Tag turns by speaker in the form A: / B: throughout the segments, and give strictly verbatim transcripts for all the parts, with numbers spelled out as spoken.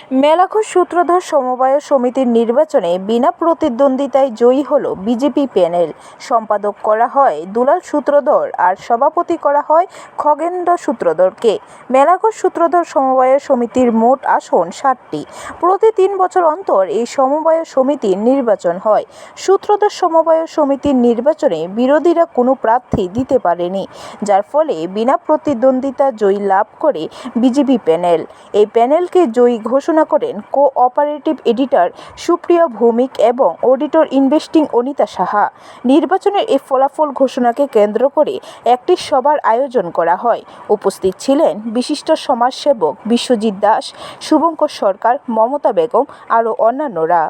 A: মেলাঘর সূত্রধর সমবায় সমিতির নির্বাচনে বিনা প্রতিদ্বন্দ্বিতায় জয়ী হল বিজেপি প্যানেল। সম্পাদক করা হয় দুলাল সূত্রধর আর সভাপতি করা হয় খগেন্দ্র সূত্রধরকে। মেলাঘর সূত্রধর সমবায় সমিতির মোট আসন ষাটটি। প্রতি তিন বছর অন্তর এই সমবায় সমিতির নির্বাচন হয়। সূত্রধর সমবায় সমিতির নির্বাচনে বিরোধীরা কোনো প্রার্থী দিতে পারেনি, যার ফলে বিনা প্রতিদ্বন্দ্বিতা জয়ী লাভ করে বিজেপি প্যানেল। এই প্যানেলকে জয়ী ঘোষণা করেন কো-অপারেটিভ এডিটর সুপ্রিয়া ভৌমিক এবং অডিটর ইনভেস্টিং অনিতা সাহা। নির্বাচনের এই ফলাফল ঘোষণাকে কেন্দ্র করে একটি সভার আয়োজন করা হয়। উপস্থিত ছিলেন বিশিষ্ট সমাজসেবক বিশ্বজিৎ দাস, শুভঙ্কর সরকার, মমতা বেগম আরও অন্যান্যরা।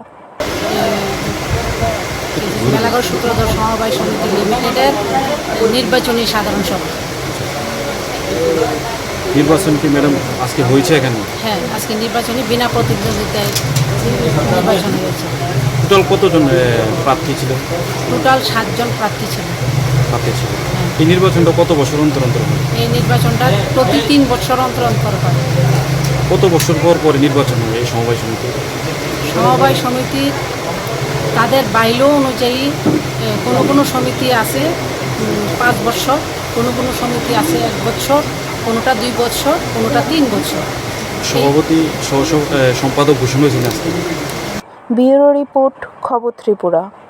B: মেলাঘর সূত্রধর সমবায় সমিতি লিমিটেডের নির্বাচনী সাধারণ সভা।
C: নির্বাচন কি ম্যাডাম আজকে হয়েছে এখানে?
B: হ্যাঁ, আজকে নির্বাচনী বিনা প্রতিদ্বন্দ্বিতায় নির্বাচন হয়েছে।
C: টোটাল কতজন প্রার্থী ছিল?
B: টোটাল সাতজন প্রার্থী ছিল।
C: প্রার্থী ছিল। এই নির্বাচনটা কত বছর অন্তর অন্তর হয়?
B: এই নির্বাচনটা প্রতি তিন বছর অন্তর অন্তর হয়।
C: কত বছর পর পরে নির্বাচন হয় এই সমবায় সমিতি?
B: সমবায় সমিতি তাদের বাইল অনুযায়ী কোনো কোনো সমিতি আছে পাঁচ বছর, কোনো কোনো সমিতি আছে এক বছর, কোনোটা দুই বছর, কোনোটা তিন বছর।
C: সভাপতি সহ সম্পাদক ঘোষণা হয়েছিল আজকে।
A: ব্যুরো রিপোর্ট, খবর ত্রিপুরা।